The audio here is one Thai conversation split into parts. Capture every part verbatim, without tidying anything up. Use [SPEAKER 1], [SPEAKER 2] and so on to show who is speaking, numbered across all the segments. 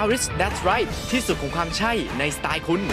[SPEAKER 1] Yaris That's Right ที่สุดของความใช่ในสไตล์คุณ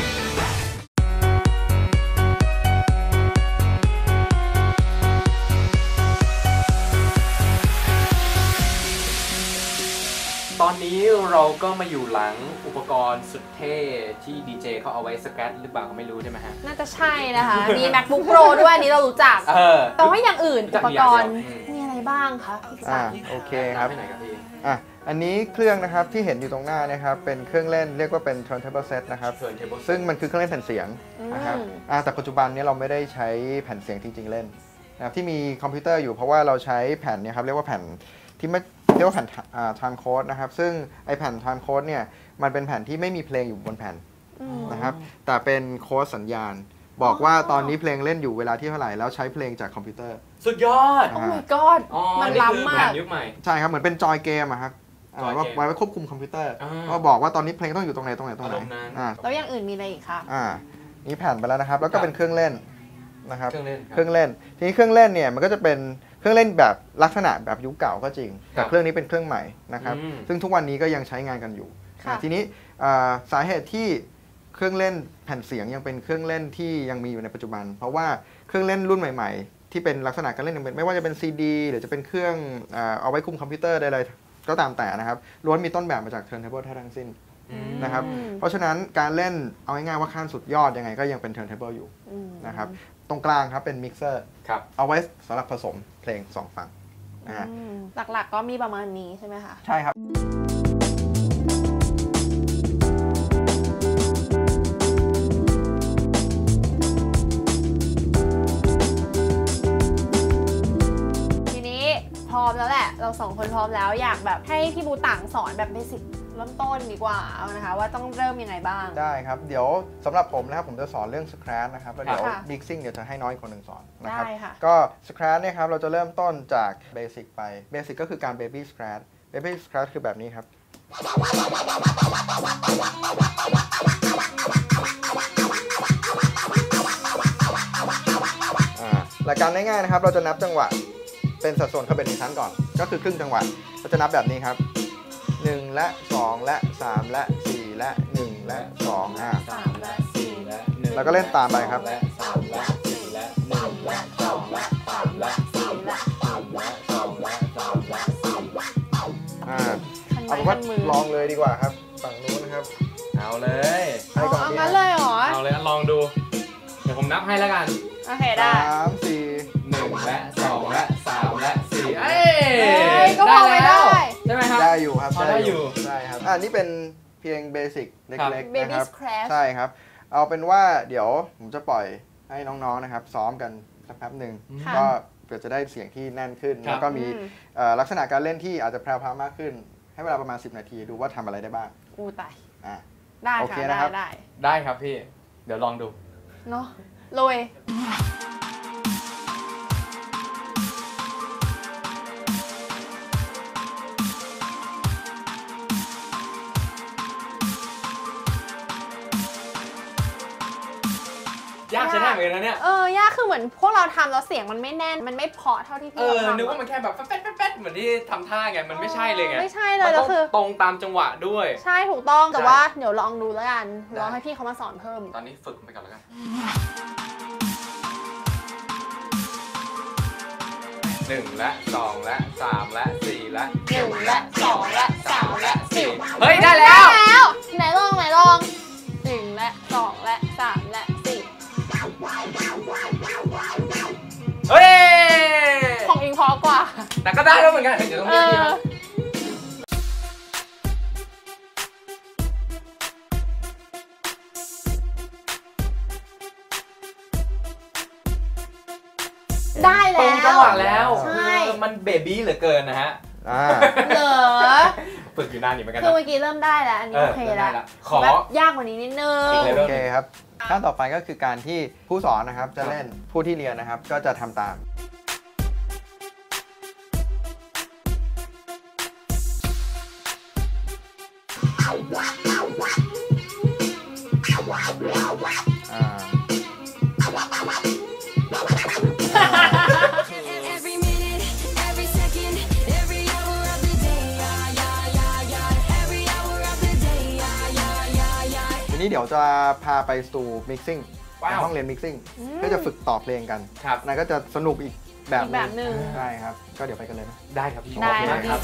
[SPEAKER 2] ตอนนี้เราก็มาอยู่หลังอุปกรณ์สุดเท่ที่ดีเจเขาเอาไว้สแกรตหรือเปล่าก็ไม่รู้ใช่ไหมฮะ
[SPEAKER 3] น่าจะใช่นะคะมี MacBook Pro ด้วยอันนี้เรารู้จักแต่ว่าอย่างอื่นอุปกรณ์มีอะไรบ้างคะพี่สาร
[SPEAKER 4] โอเคครับอ่ะอันนี้เครื่องนะครับที่เห็นอยู่ตรงหน้านะครับเป็นเครื่องเล่นเรียกว่าเป็น turntable set นะครับซึ่งมันคือเครื่องเล่นแผ่นเสียงนะครับแต่ปัจจุบันนี้เราไม่ได้ใช้แผ่นเสียงจริงๆเล่นนะครับที่มีคอมพิวเตอร์อยู่เพราะว่าเราใช้แผ่นเนี่ยครับเรียกว่าแผ่นที่ไม่เรียกว่าแผ่น time code นะครับซึ่งไอแผ่น time code เนี่ยมันเป็นแผ่นที่ไม่มีเพลงอยู่บนแผ่นนะครับแต่เป็นโค้ดสัญญาณบอกว่าตอนนี้เพลงเล่นอยู่เวลาที่เท่าไหร่แล้วใช้เพลงจากคอมพิวเตอร์
[SPEAKER 2] สุดยอด
[SPEAKER 3] โอ้ my god มันล้ำมาก
[SPEAKER 2] ยุคใหม่
[SPEAKER 4] ใช่ครับเหมือนเป็นจอยเกมอะครับว่าไว้ควบคุมคอมพิวเตอร์ว่าบอกว่าตอนนี้เพลงต้องอยู่ตรงไหนตรงไหนตรงไหน
[SPEAKER 3] แล้วอย่างอื่นมีอะไรอีกคะ
[SPEAKER 4] อ่านี่แผ่นไปแล้วนะครับแล้วก็เป็นเครื่องเล่นนะครับ
[SPEAKER 2] เครื่องเล่น
[SPEAKER 4] เครื่องเล่นทีนี้เครื่องเล่นเนี่ยมันก็จะเป็นเครื่องเล่นแบบลักษณะแบบยุคเก่าก็จริงแต่เครื่องนี้เป็นเครื่องใหม่นะครับซึ่งทุกวันนี้ก็ยังใช้งานกันอยู่ทีนี้สาเหตุที่เครื่องเล่นแผ่นเสียงยังเป็นเครื่องเล่นที่ยังมีอยู่ในปัจจุบันเพราะว่าเครื่องเล่นรุ่นใหม่ๆที่เป็นลักษณะการเล่นไม่ว่าจะเป็น ซี ดี หรือจะเป็นเครื่องเอาไว้คุมคอมพิวเตอร์ใดๆก็ตามแต่นะครับล้วนมีต้นแบบมาจาก turntable ทั้งสิ้นนะครับเพราะฉะนั้นการเล่นเอาง่ายๆว่าขั้นสุดยอดยังไงก็ยังเป็น turntable อยู่นะครับตรงกลางครับเป็นมิกเซอร์เอาไว้สำหรับผสมเพลงสองฝั่งนะฮะ
[SPEAKER 3] หลักๆก็มีประมาณนี้ใช่ไหมคะ
[SPEAKER 4] ใช่ครับ
[SPEAKER 3] ทีนี้พร้อมแล้วแหละเราสองคนพร้อมแล้วอยากแบบให้พี่บูต่างสอนแบบเบสิกเริ่มต้นดีกว่าเอานะคะว่าต้องเริ่มยังไงบ้าง
[SPEAKER 4] ได้ครับเดี๋ยวสำหรับผมนะครับผมจะสอนเรื่อง Scratch นะครับแล้วเดี๋ยว Mixing เดี๋ยวจะให้น้อยคนหนึ่งสอนนะครับก็ Scratch เนี่ยครับเราจะเริ่มต้นจากเบสิกไปเบสิกก็คือการ Baby Scratch Baby Scratch คือแบบนี้ครับหลักการง่ายๆนะครับเราจะนับจังหวะเป็นสัดส่วนเข้าเป็นชั้นก่อนก็คือครึ่งจังหวะเราจะนับแบบนี้ครับหนึ่งและสองและสามและสี่และหนึ่งและสองอ่ะ
[SPEAKER 3] สามและสี่และหนึ่ง
[SPEAKER 4] แล้วก็เล่นตามไปครับ
[SPEAKER 2] และสามและสี่และหนึ่งและสองและสามและสี่และหนึ่งและสองและสามและสี่
[SPEAKER 4] อ่าเอาเป็นว่าลองเลยดีกว่าครับฝั่งนู้นนะครับ
[SPEAKER 2] เอาเลย
[SPEAKER 3] เอาเอางั้นเลยเหรอ
[SPEAKER 2] เอาเลยลองดูเดี๋ยวผมนับให้แล้วกัน
[SPEAKER 3] โอเคได้
[SPEAKER 4] สามสี่
[SPEAKER 2] หนึ่งและสองและสามและสี่เอ้
[SPEAKER 3] ยก็พอไม่ได้
[SPEAKER 2] ใช่ไหมครับ
[SPEAKER 4] ได้อยู่ครับ
[SPEAKER 2] ได้อยู่
[SPEAKER 4] ได้ครับอ่านี่เป็นเพียงเบสิกเล็กๆนะครับ
[SPEAKER 3] ใ
[SPEAKER 4] ช่ครับเอาเป็นว่าเดี๋ยวผมจะปล่อยให้น้องๆนะครับซ้อมกันสักแป๊บหนึ่งก็เพื่อจะได้เสียงที่แน่นขึ้นแล้วก็มีลักษณะการเล่นที่อาจจะแพรวๆมากขึ้นให้เวลาประมาณสิบนาทีดูว่าทำอะไรได้บ้าง
[SPEAKER 3] อู้ตาย
[SPEAKER 4] อ่า
[SPEAKER 3] ได้ค่ะได้ได้
[SPEAKER 2] ได้ครับพี่เดี๋ยวลองดู
[SPEAKER 3] เนาะโรย
[SPEAKER 2] ยากใช่ไหมเหมือนกันนะเนี่ย
[SPEAKER 3] เออยากคือเหมือนพวกเราทำแล้วเสียงมันไม่แน่นมันไม่เพาะเท่าที่พี่เราทำ
[SPEAKER 2] นึกว่ามันแค่แบบแป๊ดแป๊ดเหมือนที่ทำท่าไงมันไม่ใช่เลยไง
[SPEAKER 3] ไม่ใช่เลยแล้วคือ
[SPEAKER 2] ตรงตามจังหวะด้วย
[SPEAKER 3] ใช่ถูกต้องแต่ว่าเดี๋ยวลองดูแล้วกันลองให้พี่เขามาสอนเพิ่ม
[SPEAKER 2] ตอนนี้ฝึกไปก่อนแล้วกันหนึ่งและสองและสามและสี่และ
[SPEAKER 3] หนึ่งและสองและสามและสี่
[SPEAKER 2] เฮ้ยได้แล้ว
[SPEAKER 3] ไหนลองไหนลองหนึ่งและสองและสามและสี่
[SPEAKER 2] เฮ้ย
[SPEAKER 3] ของอิงพอกว่า
[SPEAKER 2] แต่ก็ได้แล้วเหมือนกันเดี๋ยวต้องเรียกพี่
[SPEAKER 3] ได้แล้ว
[SPEAKER 2] ตรงจังหวะแล้ว
[SPEAKER 3] ใช่
[SPEAKER 2] มันเบบี้เหลือเกินนะฮะ
[SPEAKER 3] เหรอ
[SPEAKER 2] ฝึกอยู่นานอยู่เหมือนกัน
[SPEAKER 3] คือเมื่อกี้เริ่มได้แล้วอันนี้โอเคแล้ว
[SPEAKER 2] ขอ
[SPEAKER 3] แบบยากกว่านี้นิดนึง
[SPEAKER 4] โอเคครับขั้นต่อไปก็คือการที่ผู้สอนนะครับจะเล่นผู้ที่เรียนนะครับก็จะทำตามนี้เดี๋ยวจะพาไปสู่ mixing ห้องเรียน mixing เพื่อจะฝึกต่อเพลงกันนั่นก็จะสนุกอีกแบบ
[SPEAKER 3] แบบหนึ่ง
[SPEAKER 4] ใช่ครับก็เดี๋ยวไปกันเลยนะ
[SPEAKER 2] ได้ครับพี่
[SPEAKER 3] ได้
[SPEAKER 2] ครับ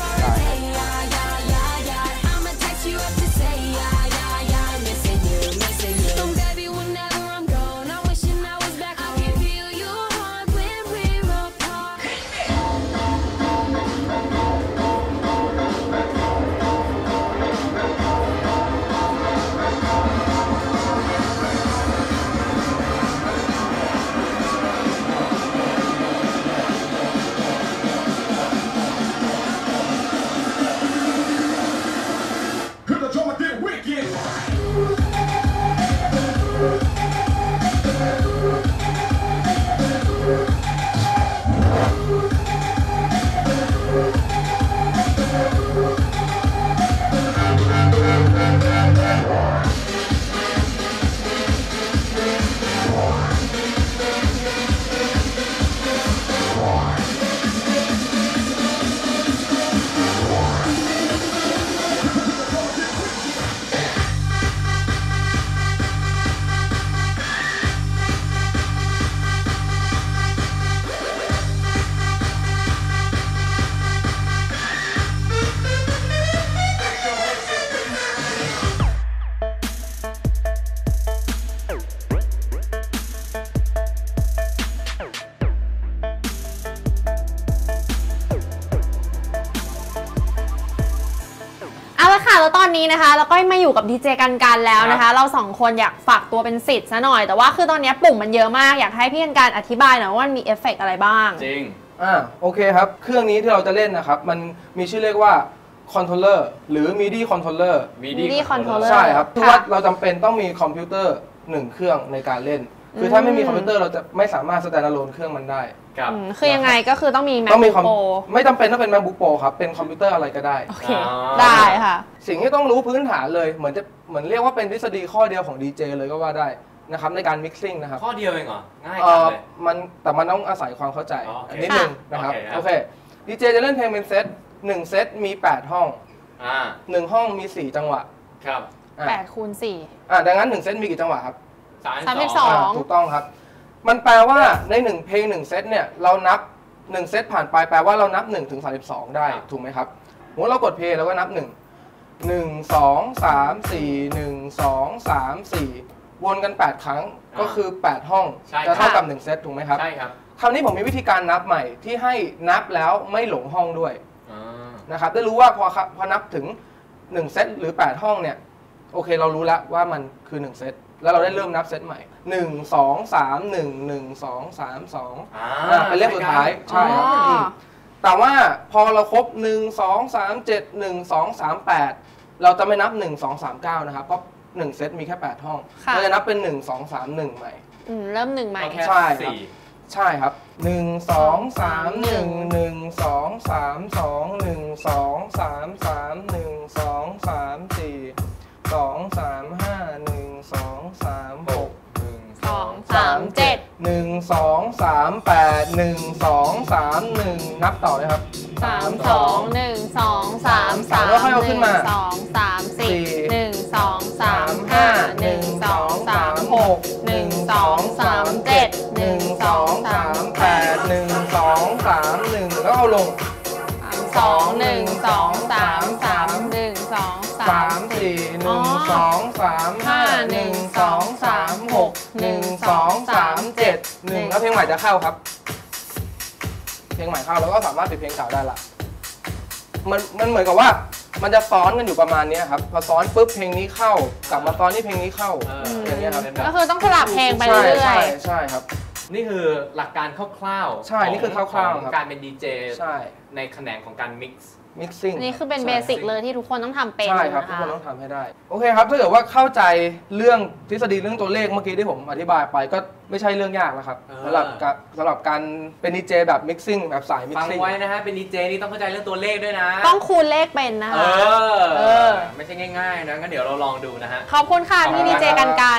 [SPEAKER 3] แล้วตอนนี้นะคะเราก็มาอยู่กับดีเจกันกันแล้วนะคะเราสองคนอยากฝากตัวเป็นศิษย์ซะหน่อยแต่ว่าคือตอนนี้ปุ่มมันเยอะมากอยากให้พี่กันกันอธิบายหน่อยว่ามันมีเอฟเฟกต์อะไรบ้าง
[SPEAKER 2] จริง
[SPEAKER 5] อ่าโอเคครับเครื่องนี้ที่เราจะเล่นนะครับมันมีชื่อเรียกว่าคอนโทรลเลอร์หรือ มิดี คอนโทรลเลอร์
[SPEAKER 3] มิดี คอนโทรลเลอร์
[SPEAKER 5] ใช่ครับคือว่าเราจำเป็นต้องมีคอมพิวเตอร์หนึ่งเครื่องในการเล่นคือถ้าไม่มีคอมพิวเตอร์เราจะไม่สามารถสแตนด์อะโลนเครื่องมันได้
[SPEAKER 3] คือยังไงก็คือต้องมี
[SPEAKER 5] MacBook
[SPEAKER 3] Pro
[SPEAKER 5] ไม่จำเป็นต้องเป็น MacBook Pro ครับเป็นคอมพิวเตอร์อะไรก็ได้
[SPEAKER 3] โอเคได้ค่ะ
[SPEAKER 5] สิ่งที่ต้องรู้พื้นฐานเลยเหมือนจะเหมือนเรียกว่าเป็นทฤษฎีข้อเดียวของ ดี เจ เลยก็ว่าได้นะครับในการ mixing นะครับ
[SPEAKER 2] ข้อเดียวเองเหรอง่ายจังเลย
[SPEAKER 5] มันแต่มันต้องอาศัยความเข้าใจนิดนึงนะครับโอเค ดี เจ จะเล่นเพลงเป็นเซตหนึ่งเซตมีแปดห้องหนึ่งห้องมีสี่จังหวะ
[SPEAKER 2] ครับ
[SPEAKER 3] แปดคูณสี่
[SPEAKER 5] อ่าดังนั้นหนึ่งเซตมีกี่จังหวะครับ
[SPEAKER 3] สามสิบสอง
[SPEAKER 5] ถูกต้องครับมันแปลว่าในหนึ่งเพลงหนึ่งเซตเนี่ยเรานับหนึ่งเซตผ่านไปแปลว่าเรานับหนึ่งถึงสามสิบสองได้ถูกไหมครับเมื่อเรากดเพลย์เราก็นับหนึ่ง หนึ่ง สอง สาม สี่ หนึ่ง สอง สาม สี่วนกันแปดครั้งก็คือแปดห้องจะเท่ากับหนึ่งเซตถูกไหมครับ
[SPEAKER 2] ใช่ครับ
[SPEAKER 5] คราวนี้ผมมีวิธีการนับใหม่ที่ให้นับแล้วไม่หลงห้องด้วยนะครับได้รู้ว่าพอพอนับถึงหนึ่งเซตหรือแปดห้องเนี่ยโอเคเรารู้แล้วว่ามันคือหนึ่งเซตแล้วเราได้เริ่มนับเซตใหม่หนึ่ง สอง สาม หนึ่ง หนึ่ง สอง สาม สองอ่าเป็นเลขสุดท้ายใช่ครับแต่ว่าพอเราครบหนึ่ง สอง สาม เจ็ด หนึ่ง สอง สาม แปดเราจะไม่นับหนึ่ง สอง สาม เก้านะครับเพราะหนึ่งเซตมีแค่แปดห้องเราจะนับเป็นหนึ่ง สอง สาม หนึ่งใหม่
[SPEAKER 3] อืมเริ่มหนึ่งใหม่
[SPEAKER 5] ใช่ครับใช่ครับหนึ่ง สอง สาม หนึ่ง หนึ่ง สอง สาม สอง หนึ่ง สอง สาม สาม หนึ่ง สอง สาม สี่ สอง สาม ห้า หนึ่ง สอง สาม หก หนึ่ง
[SPEAKER 3] สอง สาม เจ็ด
[SPEAKER 5] หนึ่ง สอง สาม แปด หนึ่ง สอง สาม หนึ่งนับต่อเลยครับ
[SPEAKER 3] สาม สอง หนึ่ง สอง สาม สาม
[SPEAKER 5] แล้วค่อยเอาขึ้นมา
[SPEAKER 3] สอง สาม สี่ หนึ่ง สอง สาม ห้า หนึ่ง สอง สาม หก หนึ่ง สอง สาม เจ็ด หนึ่ง สอง สาม
[SPEAKER 5] แปด หนึ่ง สอง สาม หนึ่งแล้วเอาลง
[SPEAKER 3] สอง หนึ่ง สอง สาม สาม หนึ่ง สอง สาม
[SPEAKER 5] สี่ หนึ่ง สอง สาม ห้า หนึ่ง สอง สาม หก หนึ่ง สอง สาม เจ็ด หนึ่งแล้วเพลงใหม่จะเข้าครับเพลงใหม่เข้าแล้วก็สามารถปิดเพลงเก่าได้ละมันมันเหมือนกับว่ามันจะซ้อนกันอยู่ประมาณนี้ครับพอซ้อนปุ๊บเพลงนี้เข้ากลับมาซ้อนที่เพลงนี้เข้าอย่างเงี้ยครับ
[SPEAKER 3] ก็คือต้องสลับเพลงไปเรื่อยๆ
[SPEAKER 5] ใช่ใช่ครับ
[SPEAKER 2] นี่คือหลักการคร่าว
[SPEAKER 5] ๆใช่นี่คือคร่าวๆ
[SPEAKER 2] ของการเป็นดีเจ
[SPEAKER 5] ใช่
[SPEAKER 2] ในแขนงของการ mix
[SPEAKER 5] mixing
[SPEAKER 3] นี่คือเป็นเบสิกเลยที่ทุกคนต้องทำเป็น
[SPEAKER 5] ใช่ครับทุกคนต้องทำให้ได้โอเคครับถ้าเกิดว่าเข้าใจเรื่องทฤษฎีเรื่องตัวเลขเมื่อกี้ที่ผมอธิบายไปก็ไม่ใช่เรื่องยากแล้วครับสำหรับสำหรับการเป็นดีเจแบบ mixing แบบสาย mixing
[SPEAKER 2] ฟังไว้นะฮะเป็นดีเจนี่ต้องเข้าใจเรื่องตัวเลขด้วยนะ
[SPEAKER 3] ต้องคูณเลขเป็นนะคะ
[SPEAKER 2] เออไม่ใช่ง่ายๆนะงั้นเดี๋ยวเราลองดูนะฮะ
[SPEAKER 3] ขอบคุณค่ะพี่ดีเจกันกัน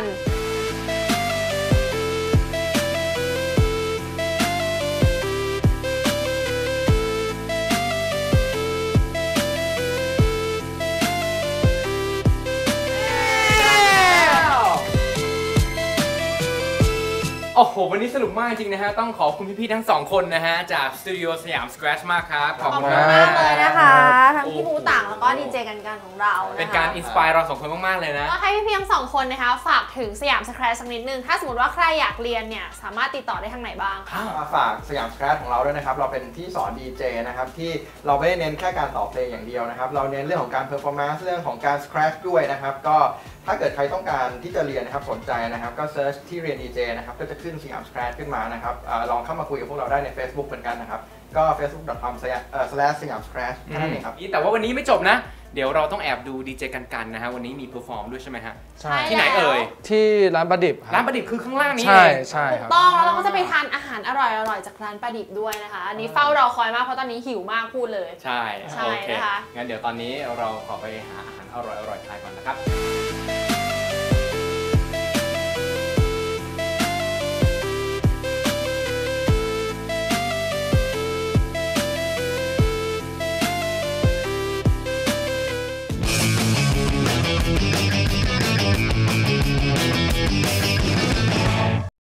[SPEAKER 2] โอ้โหวันนี้สนุกมากจริงนะฮะต้องขอบคุณพี่ๆทั้งสองคนนะฮะจากสตูดิโอสยามสแครชมากครับขอบ
[SPEAKER 3] ขอบ
[SPEAKER 2] คุณ
[SPEAKER 3] คุณ
[SPEAKER 2] มาก
[SPEAKER 3] มากเลยนะคะทั้ง
[SPEAKER 2] โอ้โห
[SPEAKER 3] พี่บูต่างแล้วก็ดีเจกันกันของเรานะคะ
[SPEAKER 2] เป็นการอินสปายเราสองคนมากๆเลยนะ
[SPEAKER 3] ก็ให้พี่ๆทั้งสองคนนะคะฝากถึงสยามสแครชสักนิดนึงถ้าสมมติว่าใครอยากเรียนเนี่ยสามารถติดต่อได้ทางไหนบ้างคะ
[SPEAKER 4] มาฝากสยามสแครชของเราด้วยนะครับ เราเป็นที่สอนดีเจนะครับที่เราไม่ได้เน้นแค่การต่อเพลงอย่างเดียวนะครับ เราเน้นเรื่องของการเพอร์ฟอร์แมนซ์เรื่องของการสแครชด้วยนะครับ ก็ถ้าเกิดใครต้องการที่จะเรียนนะครับสนใจนะครับก็เซิร์ชที่เรียนดีเจนะครับก็จะขึ้นสยามสแครชขึ้นมานะครับอาลองเข้ามาคุยกับพวกเราได้ใน Facebook เหมือนกันนะครับก็ เฟซบุ๊ก ดอท คอม สแลช สยามสแครช แค่นั้นเองครับ
[SPEAKER 2] แต่ว่าวันนี้ไม่จบนะ เดี๋ยวเราต้องแอบดูดีเจกันกันนะฮะวันนี้มีเพอร์ฟอร์มด้วยใช่ไหมฮะ
[SPEAKER 5] ใช่
[SPEAKER 2] ที่ไหนเอ่ย
[SPEAKER 5] ที่ร้านประดิบค
[SPEAKER 2] ร้า
[SPEAKER 5] รั
[SPEAKER 2] น
[SPEAKER 5] บ
[SPEAKER 2] ประดิษฐ์คือข้างล่างนี้
[SPEAKER 5] ใช่
[SPEAKER 2] เอง
[SPEAKER 5] ใช่ครับ
[SPEAKER 3] ต้องแล้วเราก็จะไปทานอาหารอร่อยๆจากร้านประดิบด้วยนะคะอันนี้เฝ้ารอคอยมากเพราะตอนนี้หิวมากพูดเลย
[SPEAKER 2] ใช่
[SPEAKER 3] ใช่
[SPEAKER 2] โอเค
[SPEAKER 3] นะคะ
[SPEAKER 2] งั้นเดี๋ยวตอนนี้เราขอไปหาอาหารอร่อยๆทานก่อนนะครับ